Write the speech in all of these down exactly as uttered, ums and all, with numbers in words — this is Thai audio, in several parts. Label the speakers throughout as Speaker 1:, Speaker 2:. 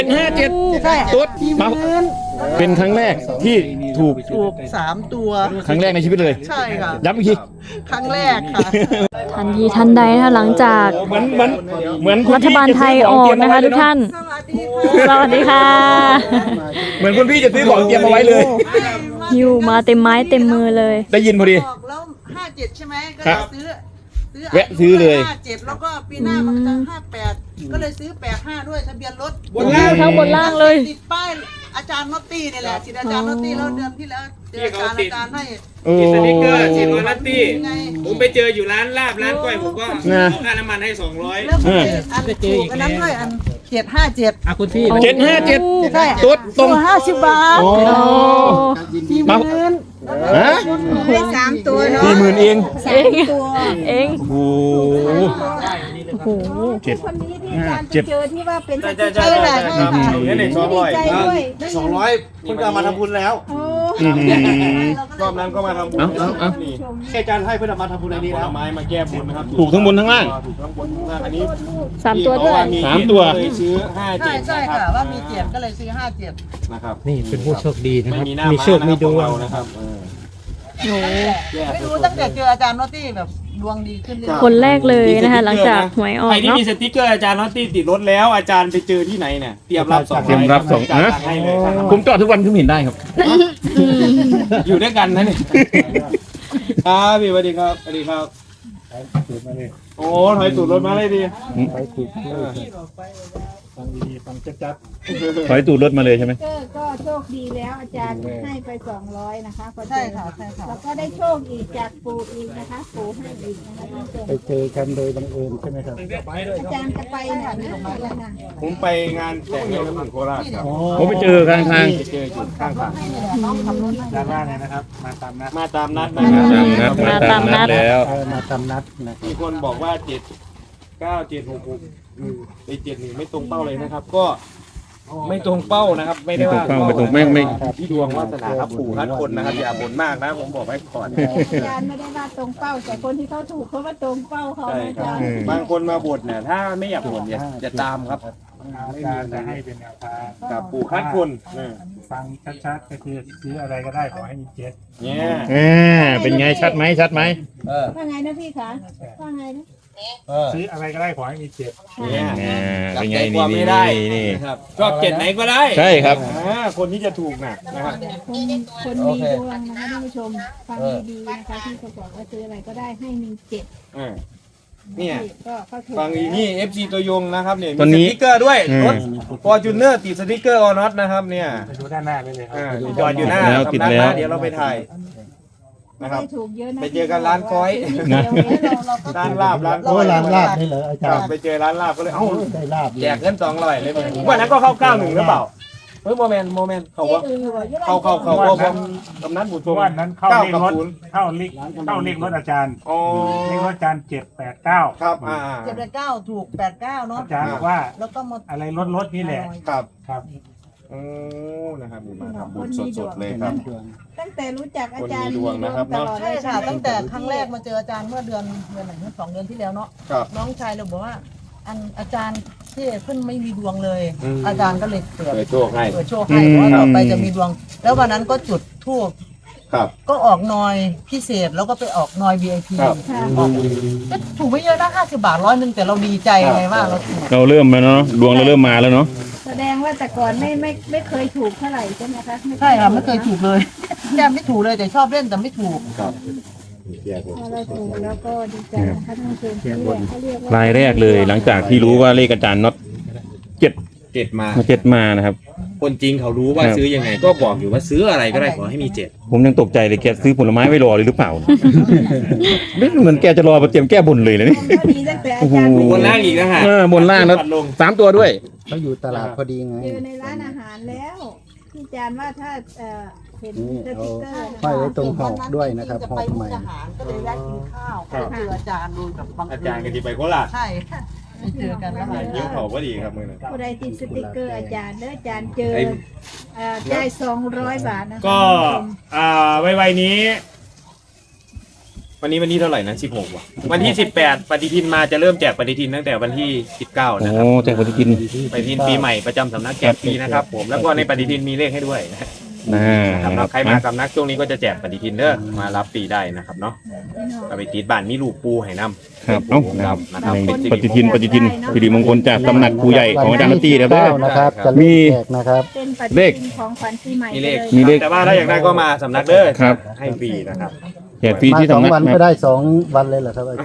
Speaker 1: ห้าเจ็ดตุ๊ดมาเป็นครั้งแรกที่ถูก
Speaker 2: ถูกสามตัว
Speaker 1: ครั้งแรกในชีวิตเลย
Speaker 2: ใช่ค่ะ
Speaker 1: ย้ำอีกที
Speaker 2: ครั้งแรกค่ะ
Speaker 3: ทันทีทันใดนะคะหลังจาก
Speaker 1: เหมือนเหมือนเหมือน
Speaker 3: รัฐบาลไทยออกนะคะทุกท่าน สวัสดีค่ะ
Speaker 1: เหมือนคุณพี่จะซื้อของเตรียมเอาไว้เลย
Speaker 3: ฮิวมาเต็มไม้เต็มมือเลย
Speaker 1: ได้ยินพอดี
Speaker 2: บอกแล้วห้าเจ็ดใช่ไหมก็
Speaker 1: ครั
Speaker 2: เลย
Speaker 1: บ
Speaker 2: ซื้อซื้อ
Speaker 1: แวะซื้อเลย
Speaker 2: ห้าเจ็ดแล้วก็ปีหน้ามันจะห้าแปดก็เลยซื้อแปดห้าด้วยทะเบียนรถ
Speaker 1: บนล่าง
Speaker 3: ทั้งบนล่างเลย
Speaker 2: ติดป้ายอาจารย์นอตตี้นี่แหละติดอาจารย์นอตตี้แล้วเดือนที่แล้วเจออาจารย์อาจารย์ให้
Speaker 1: โอ้
Speaker 4: สติ๊กเกอร์สี่ร้อยนัตตี้
Speaker 2: ไง
Speaker 4: ผมไปเจออยู่ร้านลาบร้านก้อยผมก็
Speaker 1: นะ
Speaker 4: เอาค่าน้ำมันให้สองร้อย
Speaker 2: แล้วก็อันถูกอันนั้นด้วยอันเจ็ดห้าเจ็ด
Speaker 4: อ่ะคุณพี่
Speaker 1: เจ็ดห้าเจ็ด
Speaker 2: ใช่
Speaker 1: ตุ๊ดตรง
Speaker 2: ตัวห้าสิบบาท
Speaker 1: โอ้
Speaker 2: สี่ห
Speaker 1: มา
Speaker 2: มื่น
Speaker 1: ฮะ
Speaker 2: ได้สามตัวเนาะ
Speaker 1: สี่หมื่นเอง
Speaker 3: เองเอง
Speaker 1: โอ้โห
Speaker 3: โอ้โห
Speaker 1: เจ็ด
Speaker 5: คนนี้ที่
Speaker 1: ห้า
Speaker 5: การ
Speaker 1: เจ็ด
Speaker 5: เจอที่ว่าเป็น
Speaker 4: ใช่
Speaker 5: ส
Speaker 4: ใช่
Speaker 5: ติ๊ก
Speaker 4: ใช่
Speaker 5: เกอร์
Speaker 4: ใช่ครับเนี่ยหนึ่งสองร้อย
Speaker 5: ดีใจด้วย
Speaker 6: สองร้อยคุณก็เอามาทำบุญแล้ว
Speaker 5: โอ้
Speaker 1: อื้อหือ
Speaker 4: รอบนั้นก็มาทำบุญ
Speaker 1: เอาเอาเอา
Speaker 4: นี่
Speaker 6: แค่จานให้เพื่อนเอามาทำบุญในนี้
Speaker 4: ผ
Speaker 6: แล้
Speaker 4: ล
Speaker 6: ว
Speaker 4: ไม้มาแก้บนนะครับ
Speaker 1: ถูกทั้งบนทั้งล่าง
Speaker 4: ถูกทั้งบนทั้งล่างอันนี้
Speaker 3: สามตัวด้วย
Speaker 1: สามตัว
Speaker 4: เคยซื้อห้า
Speaker 2: ใช่
Speaker 4: เจ็ด
Speaker 2: ใช่ค่ะว่ามีเจ็ดก็เลยซื้อห้าเจ็ด
Speaker 4: นะครับ
Speaker 6: นี่เป็นผู้โชคดีนะ
Speaker 4: ไม่
Speaker 6: ครับ
Speaker 4: มีหน้า
Speaker 6: มี
Speaker 4: ม้า
Speaker 6: โชคมีดวง
Speaker 4: เรานะครับเออ
Speaker 3: โอ้โห
Speaker 2: ไม่รู้ตั้งแต่เจออาจารย์นอตตี้แบบดวงดีขึ้นเรื่อยๆ
Speaker 3: คนแรกเลยนะคะหลังจากหวยออก
Speaker 4: ใครที่
Speaker 3: เนาะ
Speaker 4: มีสติ๊กเกอร์อาจารย์นอตตี้ติดรถแล้วอาจารย์ไปเจอที่ไหนเนี่ยเตรียมรับสอง
Speaker 1: เตรียมรับสอง
Speaker 4: อาจารย์
Speaker 1: นะ
Speaker 4: จัดให้เลยครับ
Speaker 1: ผมจอดทุกวันคุณเห็นได้ครับ
Speaker 4: อยู่ด้วยกันนะนี่ครับพี่สวัสดีครับสวัสดีครับโอ้ถอยตูดรถมาเลยดี
Speaker 1: ถอยตูดรถมาเลยใช่ไหม
Speaker 5: เกอร์ก็โชคดีแล้วอาจารย์ให้ไปสองร้อยนะคะพอเจอ
Speaker 2: ใช่ค่ะใช่ค่ะ
Speaker 5: แล้วก็ได้โชคอีกจากปู่อีกนะคะปู่ให้อีกนะคะท่านผู้ชม
Speaker 6: ไปเจอกันโดยบังเอิญใช่ไหมครับ
Speaker 5: อาจารย์จะไปไหนแล้วนะ
Speaker 4: ผมไปงานแต่งงานน้ำมันโคราชครับ
Speaker 1: ผมไปเจอข้างทาง
Speaker 4: ไปเจอจุดข้างทาง
Speaker 2: น้องขับรถให้
Speaker 6: ด้านล่างเลยนะครับ มาตามนัด
Speaker 4: มาตามนัดนะ
Speaker 1: มาตามนัดมาตามนัดแล้ว
Speaker 6: เออมาตามนัดนะ
Speaker 4: มีคนบอกว่าเจ็ดเก้าเจ็ดหกหกไอเจ็ดหนึ่งไม่ตรงเป้าเลยนะครับ ก็ไม่ตรงเป้านะครับ ไม่ได้ว่า
Speaker 1: ไม่ตรงเป้าไม่ตรงไม่ไม่
Speaker 4: ที่ดวงวาสนาครับปู่คัดคนนะครับอย่าบ่นมากนะผมบอกไว้ก่อน
Speaker 5: อาจารย์ไม่ได้ว่าตรงเป้าแต่คนที่เขาถูกเขาว่าตรงเป้าเขา
Speaker 4: ใช่
Speaker 5: นะ
Speaker 4: ค
Speaker 5: อา
Speaker 4: รับ
Speaker 5: จารย์
Speaker 4: บางคนมาบ่นเนี่ยถ้าไม่อยากบ่นอย่าอย่าตามครับ
Speaker 6: อาจารย์จะให้เป็นแนวทาง
Speaker 4: กับปู่คัดคนเออ
Speaker 6: ฟังชัดๆก็คือซื้ออะไรก็ได้ขอให้มีเจ็ด
Speaker 4: เนี่ย
Speaker 1: อ่าเป็นไงชัดไหมชัดไหม
Speaker 5: ว่าไงนะพี่คะว่าไงนะ
Speaker 6: ซื้ออะไรก็ได้ขอให้มีเจ็ด
Speaker 4: เนี่ย
Speaker 1: อ่า
Speaker 4: จับ
Speaker 1: เป็น
Speaker 4: ใจ
Speaker 1: ไง
Speaker 4: ค
Speaker 1: นี่
Speaker 4: วาม
Speaker 1: นี่
Speaker 4: ไม่ได้
Speaker 1: นี่
Speaker 4: นะครับชอบเจ็ดไหนก็ได้
Speaker 1: ใช่ครับ
Speaker 4: อ่าคนที่จะถูกน่ะนะครับ
Speaker 5: คนคนมีดวงนะคะท่านผู้ชมฟังดีๆนะคะที่เขาบอกว่าซื้ออะไรก็ได้ให้มีเจ็ด
Speaker 4: เออเนี่ย
Speaker 5: ก็ก็ถูก
Speaker 4: ฟังอีกนี่ เอฟ ซี ตัวยงนะครับเนี่ย
Speaker 1: ตอน
Speaker 4: มี
Speaker 1: นี้
Speaker 4: สติ๊กเกอร์ด้วย
Speaker 1: อืม
Speaker 4: รถฟอร์จูเนอร์ติดสติ๊กเกอร์ออน็อตนะครับเนี่ย
Speaker 6: ไปดูด้านหน้าได้เลยครั
Speaker 4: อ่า
Speaker 6: บ
Speaker 4: จอดอยู่หน้า
Speaker 1: แล้วติด
Speaker 4: สำนัก
Speaker 1: แล้ว
Speaker 4: นะเดี๋ยวเราไปถ่ายนะครับ
Speaker 5: ไม่ถูกเยอะนะ
Speaker 4: ไปเจอกันร้านก้อย
Speaker 1: นะ
Speaker 4: ร้านลาบร้าน
Speaker 6: โอ้ร้านลาบนี่เหรออาจารย์
Speaker 4: ไปเจอร้านลาบก็เลยเอ้า
Speaker 6: ได้ลาบ
Speaker 4: แจกเงินสองร้อยเลยวันนั้นก็เข้าเก้าหนึ่งหรือเปล่าเฮ้ยโมเมนต์โมเมนต์เขาว่าเขาเขาเขาเขาผมกำนันบุตรชม
Speaker 6: วันนั้นเข้า
Speaker 4: เก้า
Speaker 6: เลข
Speaker 4: กับ
Speaker 6: รถ
Speaker 4: ศูนย์
Speaker 6: เข้าเลขเข้าเลขรถอาจารย์
Speaker 4: อ๋อ
Speaker 6: เลขรถอาจารย์เจ็ดแปดเก้า
Speaker 4: ครับอ่า
Speaker 2: เจ็ดแปดเก้าถูกแปดเก้าเนาะ
Speaker 6: อาจารย์บอกว่า
Speaker 2: แล้วก็มา
Speaker 6: อะไรรถรถนี่แหละ
Speaker 4: ครับ
Speaker 6: ครับ
Speaker 4: โอ้นะครับมาทำบุญสดๆเลยครับ
Speaker 5: ตั้งแต่รู้จักอาจารย์
Speaker 4: คนมีดวงนะครับ
Speaker 5: ตลอด
Speaker 2: ใช่ค่ะตั้งแต่ครั้งแรกมาเจออาจารย์เมื่อเดือนเดือนไหนเมื่อสองเดือนที่แล้วเนาะ
Speaker 4: ครับ
Speaker 2: น้องชายเราบอกว่า อันอาจารย์ที่เพิ่นไม่มีดวงเลย
Speaker 4: อืม
Speaker 2: อาจารย์ก็เลยเปิด
Speaker 4: เปิดโชคให้
Speaker 2: เปิดโชคให้เพราะว่าต่อไปจะมีดวง แล้ววันนั้นก็จุดธูป
Speaker 4: ครับ
Speaker 2: ก็ออกนอยพิเศษแล้วก็ไปออกนอย วี ไอ พี
Speaker 4: ครับ
Speaker 2: ออกก็ถูกไม่เยอะนะห้าสิบบาทร้อยหนึ่งแต่เราดีใจไงว่าเราถูก
Speaker 1: เราเริ่มแล้วเนาะดวงเราเริ่มมาแล้วเนาะ
Speaker 5: แสดงว่าแต่ก่อนไม่ไม่ไม่เคยถูกเท่าไหร่ใช่ไหมคะ
Speaker 2: ใช่ค่ะไม่เคยถูกเลยแก้มไม่ถูกเลยแต่ชอบเล่นแต่ไม่ถูก
Speaker 4: ครับ
Speaker 5: พอเราถูกแล้วก็ดีใจนะคะท่านผู้ชมที่เขาเรียกว่าร
Speaker 1: ายแรกเลยหลังจากที่รู้ว่าเลขอาจารย์น็อตเจ็ด
Speaker 4: เจ็ดมา
Speaker 1: มาเจ็ดมานะครับ
Speaker 4: คนจริงเขารู้ว่า
Speaker 1: ครับ
Speaker 4: ซื้อยังไง ก็บอกอยู่ว่าซื้ออะไรก็ได้ขอให้มีเจ็ด
Speaker 1: ผมยังตกใจเลยแกซื้อผลไม้ไว้รอเลยหรือเปล่า ไม่เหมือนแกจะรอมาเตรียมแก้บนเลยนะนี่
Speaker 5: ก็ดีตั้งแต่อาจารย์
Speaker 1: โอ้โห
Speaker 4: บนล่างอีกนะฮะ
Speaker 1: เออบนล่างแล้ว
Speaker 4: ปัดลง
Speaker 1: สามตัวด้วย
Speaker 6: เขาอยู่ตลาดพอดีไง
Speaker 5: เจอในร้านอาหารแล้วที่อาจารย์ว่าถ้าเอ่อเห็นสติ๊กเกอร์
Speaker 6: ห้อยไว้ตรงหอกด้วยนะครับ
Speaker 2: จะ
Speaker 6: หอ
Speaker 2: ไป
Speaker 6: กใหม่
Speaker 2: มุกดาหารก็เลยแวะกินข้าวก็เจออาจารย์โดยแบบบังเอิญ
Speaker 4: อาจารย์กันที่ไปโคราช
Speaker 2: ใช่ไปเจอกันแล้วมา
Speaker 4: ยิ้วเขาพอดีครับมือนั้น
Speaker 5: ผู้ใดติดสติ๊กเกอร์อาจารย์เด้ออาจารย์เจอ
Speaker 4: ไอ้
Speaker 5: เอ่อได้สองร้อยบาทนะคะ
Speaker 4: ก็อ่าไวๆนี้วันนี้วันที่เท่าไหร่นะสิบหกว่ะวันที่สิบแปดปฏิทินมาจะเริ่มแจกปฏิทินตั้งแต่วันที่สิบเก้า
Speaker 1: โอ้
Speaker 4: นะครับ
Speaker 1: แจกปฏิทิน
Speaker 4: ปฏิทินปีใหม่ประจำสำนักแจกฟรีนะครับผมแล้วก็ในปฏิทินมีเลขให้ด้วยนะ
Speaker 1: น่า
Speaker 4: ครับแล้วใครมาสำนักช่วงนี้ก็จะแจกปฏิทินเด้อมารับฟรีได้นะครับเนาะเอาไปติดบ้านมีลูกปูให้นำ
Speaker 1: ครับเอ้านะครับ
Speaker 4: นะครับ
Speaker 1: ในปฏิทินปฏิทินสิริมงคลจากตำหนักครูใหญ่ของอาจารย์นตตี้นะครับเด้อ
Speaker 7: นะครับจะ
Speaker 1: มี
Speaker 7: แจกนะครับ
Speaker 5: เป็นปฏิ
Speaker 1: เลข
Speaker 5: ทินของขวัญปีใหม่
Speaker 4: มีเลข
Speaker 5: ไป
Speaker 1: มีเลข
Speaker 4: แต่ว่าถ้าอยากได้ก็มาสำนักเด้อ
Speaker 1: ครับ
Speaker 4: ให้ฟรีนะครับ
Speaker 1: แจกฟรี
Speaker 7: มา
Speaker 1: ที่
Speaker 7: สอง
Speaker 1: สำนัก
Speaker 7: วัน
Speaker 1: นะ
Speaker 7: ก็ได้สองวันเลยเหรอครับอาจารย์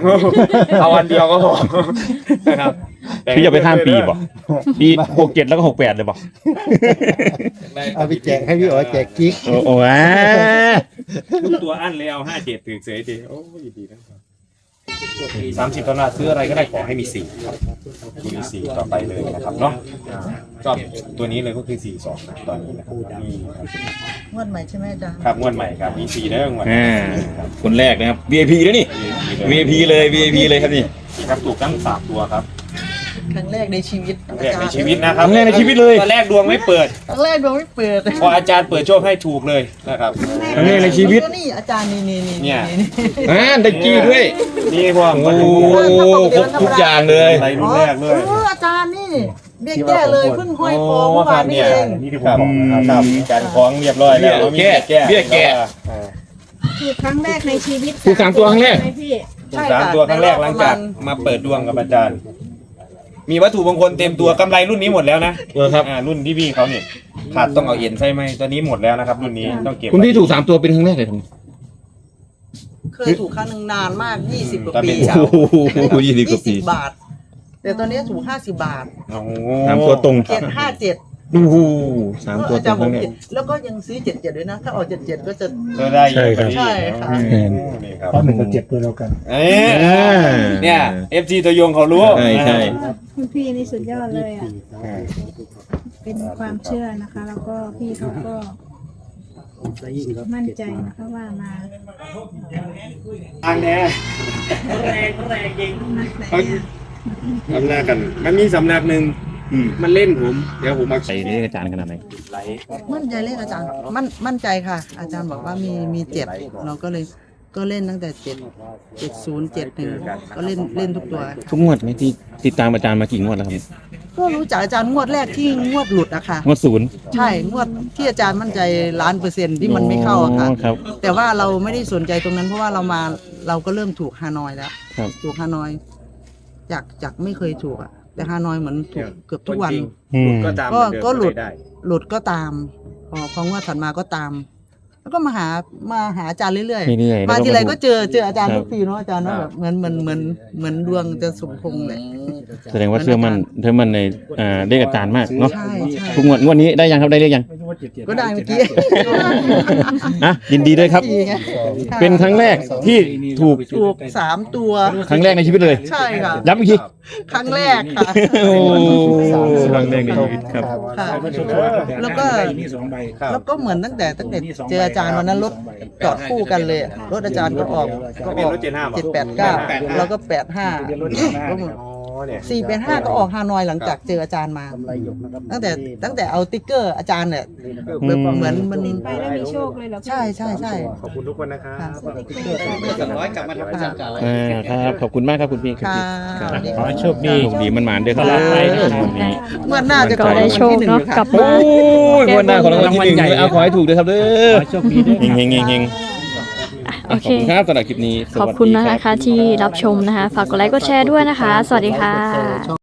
Speaker 4: เอาวันเดียวก็พอนะครับ
Speaker 1: พี่จะไปข้ามปีบ่ปีหกเจ็ดแล้วก็หกแปดเลยบ่
Speaker 7: เอาไปแจกให้พี่อ๋อแจกกิ๊ก
Speaker 1: โอ้โหอ่า
Speaker 4: ทุกตัวอั้นเลยเอาห้าเจ็ดถือเสยดีโอ้ยดีนะครับสามสิบตอนซื้ออะไรก็ได้ขอให้มีสี่ครับมีสี่ต่อไปเลยนะครับเนาะชอบตัวนี้เลยก็คือสี่สองนะตอนนี้นะครับมี
Speaker 2: งวดใหม่ใช่ไหมอาจารย์
Speaker 4: ครับงวดใหม่ครับมีสี่ได้งวด
Speaker 1: อ่าคนแรกนะครับ วี ไอ พี แล้วนี่ วี ไอ พี เลย วี ไอ พี เลยครับนี่
Speaker 4: ครับถูกทั้งสามตัวครับ
Speaker 2: ครั้งแรกในชีวิต
Speaker 4: ครั้งแรกในชีวิตนะครับ
Speaker 1: ครั้งแรกในชีวิตเลย
Speaker 4: ตอนแรกดวงไม่เปิด
Speaker 2: ครั้งแรกดวงไม่เปิด
Speaker 4: พออาจารย์เปิดโชคให้ถูกเลยนะครับ
Speaker 1: ครั้งแรกในชีวิต
Speaker 2: แล้วก็นี่อาจารย์นี่นี่นี่
Speaker 4: เนี่ย
Speaker 1: อ่าได้จี้ด้วย
Speaker 4: นี่พวก
Speaker 1: โอ้โหครบทุกอย่างเลย
Speaker 4: อะไรรุ่นแรกเลย
Speaker 2: อ๋ออาจารย์นี่เบี้ยแก้เลยเพิ่งห้อยคอเมื่อวานนี่เอง
Speaker 4: นี่ที่ผมบอกนะครับการคล้องเรียบร้อยแล้ว
Speaker 1: เบี้ยแก้เบี้ยแก้
Speaker 5: คือครั้งแรกในชีวิต
Speaker 1: ถูกสามตัวครั้งแรก
Speaker 5: ใช่ไหมพี่
Speaker 4: ถูกสามตัวครั้งแรกหลังจากมาเปิดดวงกับอาจารย์ มีวัตถุมงคลเต็มตัวกำไรรุ่นนี้หมดแล้วนะ
Speaker 1: เออครับ
Speaker 4: อ่ารุ่นที่พี่เขาเนี่ยขาดต้องเอาเอ็นใช่ไหมตัวนี้หมดแล้วนะครับ รุ่นนี้ต้องเก็บ
Speaker 1: คุณพี่ถูกสามตัวเป็นครั้งแรกเลยครับ
Speaker 2: เคยถูกครั้งหนึ่งนานมากยี่สิบกว่า
Speaker 4: ตอน
Speaker 2: ปี
Speaker 4: เป็นสาว
Speaker 1: โอ้โหยี่สิบกว่าปี
Speaker 2: บาท แต่ตอนนี้ถูกห้าสิบบาท
Speaker 4: โอ้โห
Speaker 1: สามตัวตรง
Speaker 2: เจ็ดห้าเจ็ด
Speaker 1: โอ้โหสามตัว
Speaker 2: อา
Speaker 1: ตร
Speaker 2: จารง ย์
Speaker 1: ค
Speaker 2: บอ
Speaker 1: รั้
Speaker 2: ก
Speaker 1: งแรก
Speaker 2: ผิดแล้วก็ยังซื้อเจ็ดเจ็ดด้วยนะ ถ้าออกเจ็ดเจ็ดก็จะ
Speaker 4: ก็ได้เยอะกว่านี้
Speaker 2: ใช่ครับ
Speaker 4: โอ้โหนี่ครับ
Speaker 6: เพราะหนึ่งกับเจ็ดตัวเดียวกัน
Speaker 4: เอ๊ะ
Speaker 1: อ่า
Speaker 4: เนี่ยเอฟซีตัวยงเขารู้
Speaker 1: ใช่ใช่
Speaker 5: คุณพี่นี่สุดยอดเลยอ่ะ เป็นความเชื่อนะคะ แล้วก็พี่เขาก็มั่นใจนะคะว่ามา
Speaker 4: ทางแน่แรงแรงจริงสำนักกัน มันมีสำนักหนึ่งมันเล่นผม เดี๋ยวผมมา
Speaker 1: ใส่เรียกอาจารย์ขนาดไหน
Speaker 4: ไลฟ์
Speaker 2: มั่นใจเลขอาจารย์ มั่นมั่นใจค่ะ อาจารย์บอกว่ามีมีเจ็ดเราก็เลยก็เล่นตั้งแต่เจ็ดเจ็ดศูนย์เจ็ดหนึ่งก็เล่นเล่นทุกตัว
Speaker 1: ทุกงวดไหมที่ติดตามอาจารย์มากี่งวดแล้วครับ
Speaker 2: ก็รู้จักอาจารย์งวดแรกที่งวดหลุดอะค่ะ
Speaker 1: งวดศูนย์
Speaker 2: ใช่งวดที่อาจารย์มั่นใจล้านเปอร์เซ็นต์ที่มันไม่เข้าอะค่ะ
Speaker 1: อ๋อครับ
Speaker 2: แต่ว่าเราไม่ได้สนใจตรงนั้นเพราะว่าเรามาเราก็เริ่มถูกฮานอยแล้ว
Speaker 1: ครับ
Speaker 2: ถูกฮานอยจากจากไม่เคยถูกอะแต่ฮานอยเหมือนถูกเกือบทุกวัน
Speaker 1: อืม
Speaker 4: ก็ตาม
Speaker 2: ก็
Speaker 4: เหมือนเดิม
Speaker 2: ก็หลุด
Speaker 4: ได้
Speaker 2: หลุดก็ตาม พอพองวดถัดมาก็ตาม แล้วก็มาหามาหาอาจารย์เรื่อย
Speaker 1: เรื่อยๆ
Speaker 2: มาทีไรก็
Speaker 1: ถู
Speaker 2: เจอเจออาจารย์
Speaker 1: ครับ
Speaker 2: ทุกทีเนาะอาจารย์เนาะแบบเหมือนเหมือนเหมือนเหมือนดวงจะสมพงษ์เลย
Speaker 1: แสดงว่าเชื่อมั่นเชื่อมั่นในอ่าเลขอาจารย์มากเนาะ
Speaker 2: ใช่ใช่
Speaker 1: ทุกงวดงวดนี้ได้ยังครับได้เลขยัง
Speaker 2: ก็ได้เมื่อกี้
Speaker 1: อ่ะยินดีด้วยครับ
Speaker 2: สี่ไง
Speaker 1: เป็นครั้งแรกที่ถูก
Speaker 2: ถูกสามตัว
Speaker 1: ครั้งแรกในชีวิตเลย
Speaker 2: ใช่ค่ะ
Speaker 1: ย้ำอีกที
Speaker 2: ครั้งแรกค่ะ
Speaker 1: โอ้ครั้งแรกในชีวิตครับ
Speaker 2: ค่ะ แล้วก็
Speaker 6: นี่สองใบ
Speaker 2: แล้วก็เหมือนตั้งแต่ตั้งแต่เจออาจารย์วันนั้นรถจอดคู่กันเลยอะรถอาจารย์ก็ออกก็ออกเจ็ดแปดเก้าแล้วก็แปดห้า
Speaker 4: อ๋อเนี่ย
Speaker 2: สี่แปดห้าก็ออกฮานอยหลังจากเจออาจารย์มา ตั้งแต่ตั้งแต่เอาติ๊กเกอร์อาจารย์เนี่ยแบบเหมือนมัน
Speaker 5: ไปแล้วมีโชคเลยเหรอพี่
Speaker 2: ใช่ใช่ใช่
Speaker 4: ขอบคุณทุกคนนะครับ
Speaker 2: ค่ะ
Speaker 4: สองร้อยกลับมาทำอาจารย์เก่า
Speaker 1: อ่าครับขอบคุณมากครับคุณพี่คุณ
Speaker 2: ค่ะ
Speaker 1: พี่ครับ
Speaker 6: ขอให้โชคดี
Speaker 1: โชคดีมันหมานด้วยครับ
Speaker 6: ตลอดไป
Speaker 1: วันนี้
Speaker 2: งวดหน้าจะ
Speaker 3: ก็ได้โชคเนาะกลับ
Speaker 1: โอ้
Speaker 3: มาย
Speaker 1: งวดหน้าของรางวัลที่หนึ่งเลยเอาขอให้ถูกด้วยครับเด้
Speaker 6: ข
Speaker 1: อ
Speaker 6: อให้โชคดีด้วย
Speaker 1: เฮงเฮงเฮงเฮง
Speaker 3: โอ
Speaker 1: ข
Speaker 3: เค
Speaker 1: อบคุณครับสำหรับคลิปนี้ส
Speaker 3: ขอบ
Speaker 1: วัสดี
Speaker 3: คุณ
Speaker 1: รับ
Speaker 3: นะคะที่รับชมนะคะ ฝากกดไลค์กดแชร์ด้วยนะคะ สวัสดีค่ะ